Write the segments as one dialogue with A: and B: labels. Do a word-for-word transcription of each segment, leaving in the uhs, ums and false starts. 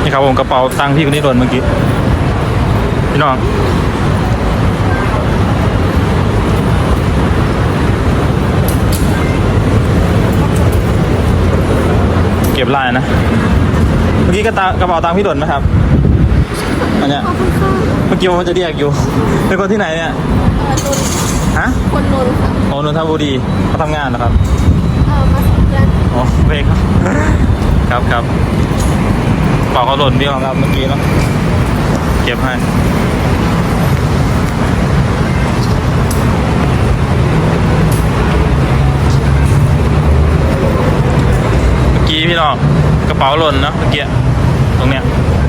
A: นี่ครับผมกระเป๋าตังค์พี่คนนี้โดนเมื่อกี้พี่น้องเก็บลายนะเมื่อกี้กระกระเป๋าตังค์พี่โดนไหมครับอันเนี้ยเมื่อกี้ผมจะเรียกอยู่เป็นคนที่ไหนเนี่ยฮะ
B: คนนนท์ค่ะ
A: โอ้นนทบุรีเขาทำงานนะครับ
B: เออมาสัญญาณ
A: อ๋อเบรกครับครับครับเป่าเขาหล่นพี่ครับเมื่อกี้เนาะเก็บให้เมื่อกี้พี่น้องกระเป๋าหล่นนะเมื่อกี้ตรงเนี้ย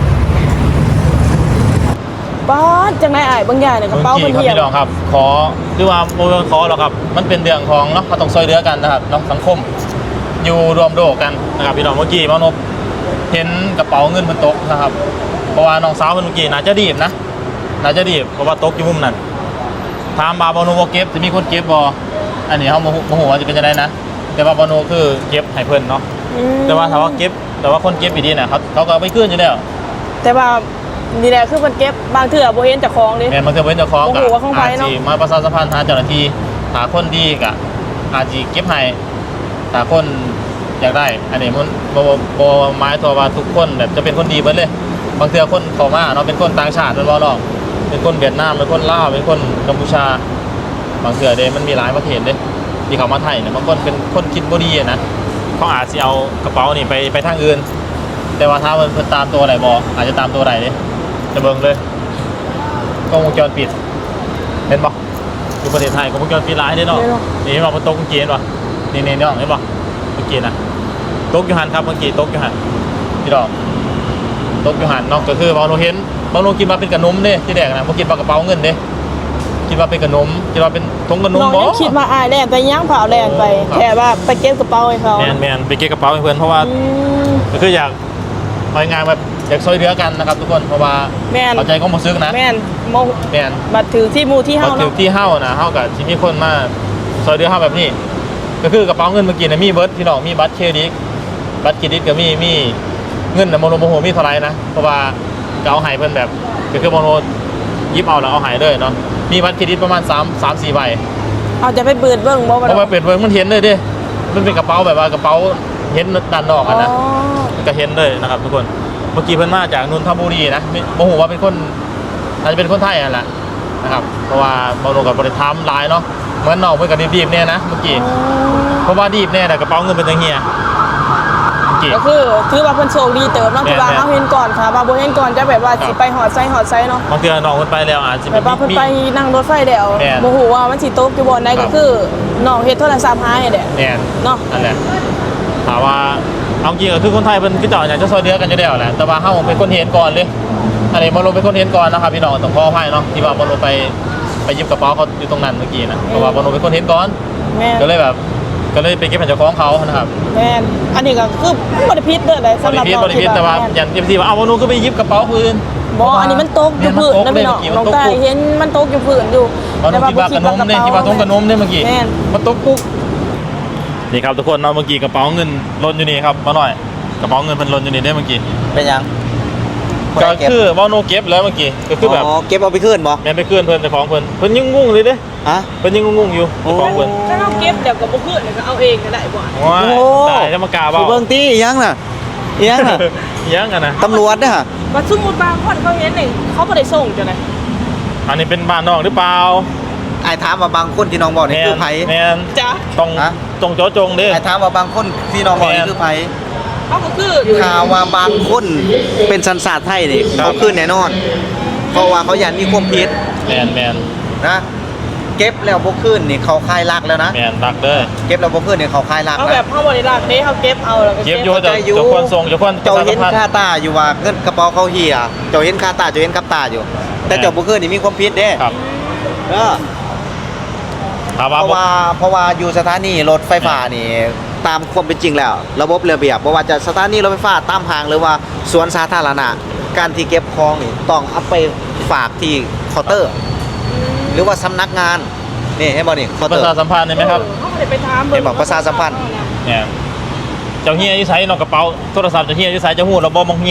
C: ป้าจังไรไอ้บางอย่างเนี่ยกระเป๋าเป็นเหี่ยว
A: พี่น้องครับขอหรือว่าโมเดลขอหรอครับมันเป็นเรื่องของเนาะเราต้องช่วยเหลือกันนะครับเนาะสังคมอยู่รวมโดกันนะครับพี่น้องเมื่อกี้มานพเห็นกระเป๋าเงินมันตกนะครับเพราะว่าน้องสาวเมื่อกี้น่าจะดีบนะน่าจะดีบเพราะว่าตกอยู่มุมนั้นถามบาบานูเก็บจะมีคนเก็บบออันนี้เขาโมโหว่าจะเป็นจะได้นะแต่ว่าบานูคือเก็บให้เพิ่นเนาะแต่ว่าถ้าว่าเก็บแต่ว่าคนเก็บอีดีน่ะเขาเขาก็ไม่ขึ้นอยู่แล้ว
C: แต่ว่านี่แหละคือมันเก็บบางเถื่อโบเห็นจากคลองดิ
A: แม่บางเถื่อโบเห็นจากคลองกับอาจีมาประชาสัมพันธ์หาเจ้าหน้าที่หาคนดีกับอาจีเก็บให้หาคนอยากได้อันนี้มันโบโบไม้ตัวว่าทุกคนแบบจะเป็นคนดีเบิดเลยบางเถื่อคนเข้ามาเนาะเป็นคนต่างชาติเป็นบ่หรอกเป็นคนเวียดนามเป็นคนลาวเป็นคนกัมพูชาบางเถื่อเด้มันมีหลายประเทศเด้ที่เขามาไทยเนี่ยบางคนเป็นคนคิดบ่ดีนะเขาอาจจะเอากระเป๋านี่ไปไปทางอื่นแต่ว่าถ้ามันตามตัวอะไรบออาจจะตามตัวอะไรเนี่ยจะเบิ่งเลยกล้องวงจรปิดเห็นปะอยู่ประเทศไทยกล้องวงจรปิดร้ายได้เนาะนี่มาเป็นโต๊ะเมื่อกี้เห็นปะนี่นี่นี่เห็นปะเมื่อกี้นะโต๊ะยูฮันครับเมื่อกี้โต๊ะยูฮันพี่ดอกโต๊ะยูฮันนอกก็คือบางโนเห็นบางโนกินมาเป็นกระนมเด้ที่แดกนะเมื่อกี้ปลากระเป๋าเงินเด้คิดว่าเป็นกระนมคิดว่าเป็นทงกระนมบอ
C: คิดมาอายแลนไปย่างเผาแลนไปแค่ว่าไปเก็บกระเป๋าให้เขา
A: แมนแมนไปเก็บกระเป๋าให้เพื่อนเพราะว่าก็คืออยากไปงานแบบอยากช่วยเหลือกันนะครับทุกคนเพราะว่าเข้าใจก็มาซื้อนะ
C: แมนโม
A: แมน
C: บัตรถือที่มูที่เฮา
A: บัตรถือที่เฮานะเฮากับที่มีคนมาช่วยเหลือเฮาแบบนี้ก็คือกระเป๋าเงินเมื่อกี้นะมีเบิร์ดพี่น้องมีบัตรเครดิตบัตรเครดิตก็มีมีเงินนะโมโนโมโหมีเท่าไรนะเพราะว่าเอาหายเพิ่นแบบก็คือโมโนยิบเอาแล้วเอาหายเลยเนาะมีบัตรเครดิตประมาณสาม สาม สี่ใบ
C: เอาจะไปเปิดเบิ่งบ่
A: เพราะว่าเปิดเบิ่งมันเห็นเลยดิมันเป็นกระเป๋าแบบว่ากระเป๋าเห็นด้านนอกนะก็เห็นเลยนะครับทุกคนเมื่อกี้เพิ่นมาจากนนทบุรีนะโมโหว่าเป็นคนอาจจะเป็นคนไทยนั่นแหละนะครับเพราะว่าโมโนกับบริษัทลายเนาะเหมือนนอกเพิ่นกับดีบๆเนี่ยนะเมื่อกี้เพราะว่าดีบเนี่ยแต่กระเป๋าเงินเป็นจังเฮีย
C: ก็คือถือว่าเพิ่นโชคดีเติมเนาะที่ว่าเฮาเห็นก่อนค่ะว่าบ่เห็นก่อนจะแบบว่าสิไปหอดไซหอดไซเนาะ
A: บางเทื่อน้องเพิ่นไปแล้วอาจจะ
C: แบบว่าเพิ่นไปนั่งรถไฟแล้วบ่ฮู้ว่ามันสิตกอยู่บ่อนใดก็คือน้องเฮ็ดโทรศัพท์หายแหละ
A: แม่น
C: เนาะ
A: นั่นแหละถามว่าเอาจริงก็คือคนไทยเพิ่นคือเจ้าอยากจะช่วยเหลือกันอยู่แล้วแหละแต่ว่าเฮาเป็นคนเห็นก่อนเลยอันนี้บ่รู้เป็นคนเห็นก่อนนะครับพี่น้องต้องขออภัยเนาะที่ว่าบ่รู้ไปไปหยิบกระเป๋าเขาอยู่ตรงนั้นเมื่อกี้นะเพราะว่าบ่รู้เป็นคนเห็นก่อนก็เลยแบบก็เลยไปเก็บเจ้าของเขานะครับ
C: แม่นอันนี้ก็คือบ่ได้ผิดเด้อได้สำหรับน้อง
A: ที่แต่ว่าอย่างเต็มที่ว่าเอาบ่รู้ก็ไปหยิบกระเป๋าคืน
C: บ่อันนี้มันตกอยู่พื้นนะพี่น้องน้องตาเห็นมันตกอยู่พื้นอยู่
A: แต่ว่าบ่คิดว่ากระนมเนี่ยคิดว่าตรงกระนมเนี่ยเมื่อกี้มันตกปุ๊บนี่ครับทุกคนเนาะเมื่อกี้กระเป๋าเงินหล่นอยู่นี่ครับมาหน่อยกระเป๋าเงินมันหล่นอยู่นี่ได้เมื่อกี้
D: เป็นยัง
A: ก็คือว่าโนเก็บแล้วเมื่อกี้ก็คือแบบ
D: อ๋อเก็บเอาไปคืนบ่
A: แม่ไปคืนเพิ่นเจ้าของเพิ่นเพิ่นยังงงเลยเด้
D: ฮะ
A: เพิ่นยังงงอยู่เจ้าของเพิ่น
C: ถ้าเราเก็บเดี๋ยวก็บ่คืนก็เอาเองก็ได้บ่
A: ว้าตายจะมากาเว้า
D: เบิ่งติยังน่ะยังน่ะ
A: ยังอ่ะนะ
D: ตำรวจเด้อฮะ
C: ว่าสมมุติบางคนเขาเห็นนี่เขาบ่ได้ส่งจังได๋
A: อันนี้เป็นบ้านนอกหรือเปล่า
D: ไอ้ถามว่าบางคนที่น้องบอกนี่คือไผ
A: แม่น
C: จ้ะ
A: ต้องต้องเจาะจงเด้
D: ไอ้ถามว่าบางคนที่น้องบอกนี่คือไผ
C: เขาก็คือ
D: ข่าวว่าบางคนเป็นสัญชาติไทยนี่เขาคืนแน่นอนเพราะว่าเขายันมีความผิด
A: แม่นแม่น
D: นะเก็บแล้วบ่คืนนี่เขาคายลักแล้วนะ
A: แม่นลักเด้อ
D: เก็บแล้วบ่คืนนี่เขาคายลัก
C: เขาแบบเฮาบ่ได้ลักเด้เฮาเก็บเอาแล้วก็
A: เก็บอยู่เจ้าคนส่งเจ้าคน
D: เจ้าเห็นค่าตาอยู่ว่าเงินกระเป๋าเขาเหี่ยเจ้าเห็นค่าตาเจ้าเห็นกับตาอยู่แต่เจ้าบ่คืนนี่มีความผิดเด้
A: ครับ
D: เออเพราะว่าเพราะว่าอยู่สถานีรถไฟฟ้านี่ตามความเป็นจริงแล้วระบบระเบียบบ่ว่าจะสถานีรถไฟฟ้าตามห้างหรือว่าสวนสาธารณะการที่เก็บของนี่ต้องเอาไปฝากที่เคาน์เตอร์หรือว่าสำนักงานนี่ให้บ่นี่เคาน์เตอร์
A: ประชาสัมพันธ์ได้ไหมครับ
C: เฮาบ่ได้ไปถาม
D: เบิ่งบอกประชาสัมพันธ์
A: เนี่ยเจ้าเฮียอยู่ไสเนาะกระเป๋าโทรศัพท์เจ้าเฮียอยู่ไสเจ้าฮู้ระบบมองเฮีย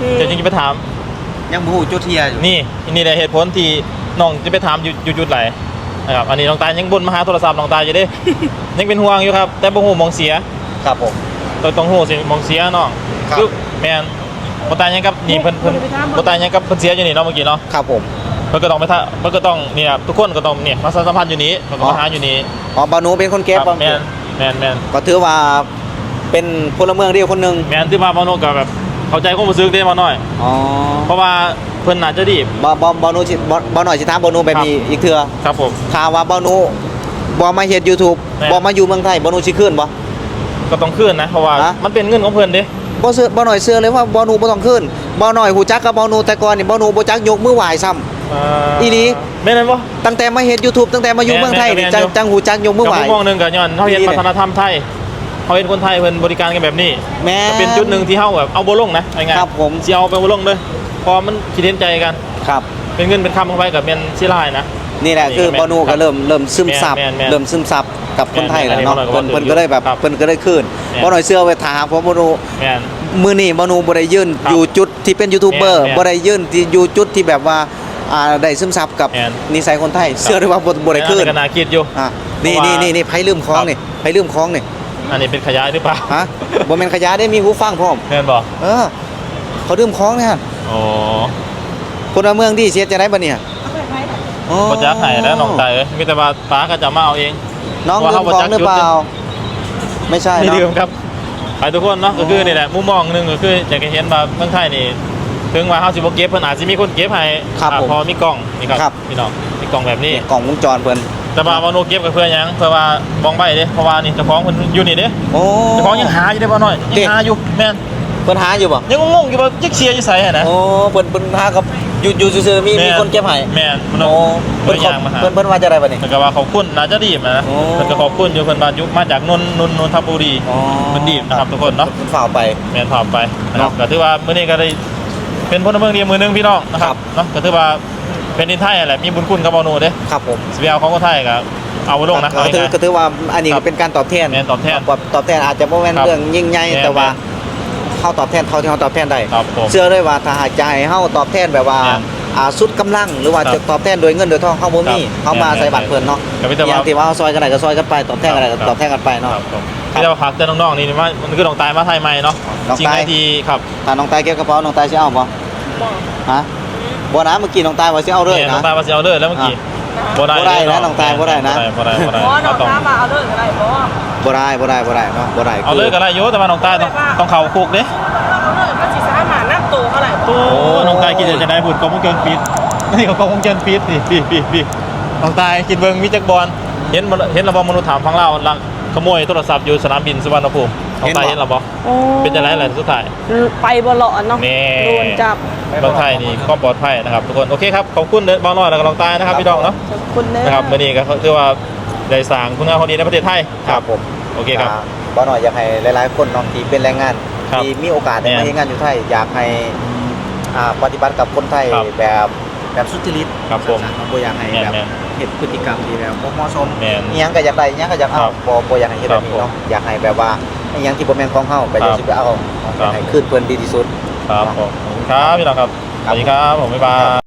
A: เดี๋ยวจริงๆไปถาม
D: ยังบ่ฮู้จุดเทียอยู่
A: นี่นี่แหละเหตุผลที่น้องจะไปถามอยู่อยู่จุดไหนนะครับอันนี้น้องตายยังบนมาหาโทรศัพท์น้องตายอยู่เด้ ยังเป็นห่วงอยู่ครับแต่บ่ฮู้มองเสีย
D: ครับผม
A: ต้องต้องฮู้สิมองเสียน้อง
D: ครับ
A: คือแม่นบ่ตายยังกับนี่เพิ่นเพิ่นบ่ตายยังกับเพิ่นเสียอยู่นี่เนาะเมื่อกี้เนาะ
D: ครับผม
A: เพิ่นก็ต้องไปท่าเพิ่นก็ต้องเนี่ยทุกคนก็ต้องเนี่ยมาสัมพันธ์อยู่นี้เพิ่นก็มาหาอยู่นี้
D: อ๋อบานูเป็นคนเก็บ
A: ครับแม่นแม่นแม่น
D: ก็ถือว่าเป็นพลเมืองเดียวคนหนึง
A: แม่นที่มาบ่โนก็แบบเข้าใจความรู้สึกเด้มาหน่อย
D: อ๋อ
A: เพราะว่าเพิ่นน่าจะดี
D: บ่บ่บ่นูสิบ่บ่หน่อยสิถามบ่นูแบบนี้อีกเทื่อ
A: ครับผม
D: ถ้าว่าบ่นูบ่มาเฮ็ด YouTube
A: แม่
D: บ่มาอยู่เมืองไทยบ่นูสิคืนบ่
A: ก็ต้องคืนนะเพราะว่า
D: ฮะ
A: มันเป็นเงินของเพิ่นเด้
D: บ่เชื่อบ่หน่อยเชื่อเลยว่าบ่นูบ่ต้องคืนบ่หน่อยฮู้จักกับบ่นูแต่ก่อนนี่บ่นูบ่จักยกมือไหว้ซ้ำ อีหลี
A: แม่นบ่
D: ตั้งแต่มาเฮ็ด YouTube ตั้งแต่มาอยู่
A: แม่น
D: เมืองไทยนี่
A: แม่น
D: จัง
A: อยู่
D: จังฮู้จักยกมือไหว้
A: กับมุมมองหนึงก็ย้อนเฮาเห็น
D: ดีเลย
A: วัฒนธรรมไทยเฮาเห็นคนไทยเพิ่นบริการกันแบบนี้
D: แม่
A: ก็เป็นจุดหนึ่งที่เฮาแบบเอาบ่ลงนะง่ายๆ
D: ครับผม
A: สิเอาไปบ่ลงเด้อเพอมันคิดเห็นใจกัน
D: ครับ
A: เป็นเงินเป็นคำเข้าไปกับแม่นสิลายนะ
D: นี่แหละ
A: นี่
D: คือ
A: ก็แม่น
D: บ่นูก็เริ่มเริ่มซึมซับ
A: แม่นแม่น
D: เริ่มซึมซับกับคนไทยแล้วเนาะ
A: แม่น
D: เพิ่น
A: แม่น
D: เพิ่นก็เลยแบบ
A: ครับ
D: เพิ่นก็เลยคืน
A: แม่น
D: บ่หน่อยเชื่อไว้ถ้าหากว่าบ่นู
A: แม่น
D: มื้อนี้บ่นูบ่ได้ยืน
A: ครับ
D: อยู่จุดที่เป็นยูทูบเบอร์
A: แม่น
D: บ่ได้ยืนที่อยู่จุดที่แบบว่าอ่าได้ซึมซับกับ
A: แม่น
D: นิสัยคนไทยเชื่อได้ว่าบ่บ่ได้คืน
A: ก็น่าคิดอยู่
D: อ่ะนี่
A: เพราะว่า
D: นี่นี่นี่ไผลืมของ
A: ครับ
D: นี่ไผลืมของนี่
A: อันนี้เป็นขยะหรือเปล่า
D: ฮะบ่แม่นขยะได้มีหูฟังพร้อม
A: แม่นบ่
D: เออเขาลืมของเนี่ย
A: โอ้
D: คนละเมืองดีเสียจะได้บ่เนี่ยอ๋อ
A: บ่จักให้แล้วน้องตายเอ้ยมีแต่ว่าป้าก็จะมาเอาเอง
D: น้อง
A: ว่า
D: ลื
A: เขา
D: ม
A: บ่
D: ขอ
A: จั
D: ง
A: ก
D: หรือ
A: จุด
D: เปล่า ไม่ใช่
A: ไม่
D: เนาะ
A: ดื่มครับไปทุกคนเนาะก็คือนี่แหละมุมมองหนึงก็คืออยากจะเห็นว่าเมืองไทยนี่ถึงว่าเฮาสิบ่เก็บเพิ่นอาจสิมีคนเก็บให้
D: ครับ
A: อ่า
D: ผม
A: พอมีกล้องนี่ครับ
D: ครับ
A: พี่น้องมีกล้องแบบนี้
D: เนี่ยกล่องวงจรเพิ่น
A: แต่ว่าบ่โนเก็บก็เพื่อหยังเพื่อว่าบ้องใบเด้เพราะว่านี่เจ้าของเพิ่นอยู่นี่เด้
D: โอ้
A: เจ้าของยังหาอยู่เด้บ่น้อยยั
D: เด้
A: งหาอยู่แม่น
D: เพิ่นหาอยู่บ่
A: ยังงงๆอยู่ว่าจักเสียอยู่ไสหั่นนะ
D: โอ้เพิ่นเพิ่นหากับอยู่อยู่ซื่อๆมี
A: แม่
D: มีคนเก็บให้
A: แม่นมัน
D: โอ้
A: เพิ่
D: เพิ่
A: น
D: น
A: ย่างมาหา
D: เพิ่นเพิ่นว่าจะได้บัดนี้
A: เพิ่นก็ว่าขอบคุณน่าจะดีบนะ
D: โอ้
A: เพิ่นก็ขอบคุณอยู่เพิ่นว่าอยู่มาจากนนนนนนทบุรี
D: อ๋อ
A: เพิ่นดีบนะครับทุกคนเนาะ
D: เพิ่นฝ่ากไป
A: แม่นพาไปนะครับ
D: เนาะ
A: ก็ถือว่ามื้อนี้ก็ได้เป็นพลเมืองดีมือหนึงพี่น้องนะค
D: ครั
A: รับบ เนาะก็ถือว่าเป็นดินไทยแหละมีบุญคุณกับบ่โนเด้
D: ครับผม
A: สิไปเอาของคนไทยก็เอาบ่ลงนะ
D: ก็
A: เอา
D: ถือ
A: ง่าย
D: ก็ถือว่าอันนี้
A: ครั
D: ก็
A: บ
D: เป็นการตอบแทน
A: แม่นตอบแทน
D: ตอบแทนอาจจะบ่แม่น
A: ครับ
D: เรื่องยิ่งใหญ่
A: แม่น
D: แต่ว่าเฮาตอบแทนเท่าที่เฮาตอบแทนได้
A: ครับผม
D: เชื่อเลยว่าถ้าหากจะให้เฮาตอบแทนแบบว่า
A: แม่น
D: อ่าสุดกำลังหรือว่า
A: ครับ
D: จะตอบแทนโดยเงินโดยทองเฮาบ่มี
A: ครับ
D: เฮามา
A: แม่น
D: ใส่บัตรเพิ่นเนาะ
A: ก็มีแต่ว่า
D: อย่างที่ว่าเฮาซอยกันได้ก็ซอยกันไปตอบแทนกันได้ก็
A: ครับ
D: ตอบแทนกันไป
A: ๆ
D: เนาะ
A: ครับผมที่เราพักเตือนน้องๆนี่ว่ามันคือน้องตายมาไทยใหม่เนาะ
D: น้อง
A: สิ่ง
D: ตาย
A: ไหนที่ครับ
D: ถ้าน้องตายเก็บกระเป๋าน้องตายสิเอาบ่
C: บอก
D: ฮะบ่นะเมื่อกี้น้องตายว่าสิเอาเลย
A: เนี่ยน้อ
D: นะ
A: งตายมาสิเอาเลยแล้วเมื่อกี้บ่ได้
D: บ่ได้นะน้องตายบ่ได้นะ
A: บ่ได้บ่ได้
C: เพราะน้อง
A: ต้อง
C: น้ามาเอาเลิกอะไรเพราะว่า
D: บ่ได้บ่ได้บ่ได้เนาะบ่ได้
A: เอาเลยก็ได้อยู่แต่ว่าน้องตายต้องต้องเข้าคุกเด้
C: เอาเลิกก็สิสามารถนับตัวเท่าไหร่
A: โอ้น้องตายคิดจะได้บุญกองวงจรปิดนี่ก็กองวงจรปิดนี่พี่พี่พี่น้องตายคิดเบิ่งมีจักบอลเห็นบ่เห็นระบบมนุษย์ถามฟังเล่าลักขโมยโทรศัพท์อยู่สนามบินสุวรรณภูมิน้องตายเห็นระบบ
C: โอ้
A: เป็นจังได๋ล่ะสุดท้าย
C: ไปบ่หลอนเนาะ
A: แน่
C: โดนจับ
A: เมืองไทยนี่ก็ปลอดภัยนะครับทุกคนโอเคครับขอบคุณเด้อบ่าวน้อยแล้วก็น้องตายนะครับพี่น้องเนาะ
C: ขอบคุณเด้อ
A: นะครับวันนี้ก็ถือว่าได้สร้างคุณงามความดีในประเทศไทย
D: ครับผม
A: โอเคครับ
D: อ่าบ่หน่อยอยากให้หลายๆคนเนาะที่เป็นแรงงาน
A: ครับ
D: ที่มีโอกาสได้
A: แม่
D: มาน เฮ็ดงานอยู่ไทยอยากให้อ่าปฏิบัติกับคนไทย
A: ครับ
D: แบบแบบสุจริต
A: ครับผม
D: บ่อยากให้
A: แม่น
D: แบบ
A: แม่น
D: เฮ็ดพฤติกรรมที่แบบบ่เหมาะสม
A: แม่น
D: อีหยังก็อยากได้อีหยังก็อยากเอา
A: ครับ
D: บ่บ่อยากให้เฮ็ดแบบนี้
A: ครับผม
D: เนาะอยากให้แบบว่าอีหยังที่บ่แม่นของเฮาก็อย่า
A: ครับ
D: สิไปเอา
A: ครับ
D: อยากให้คืนเพิ่นดีที่สุด
A: ครับผมขอบคุณครับพี่น้องครับสวัสดีครับผมบ๊ายบาย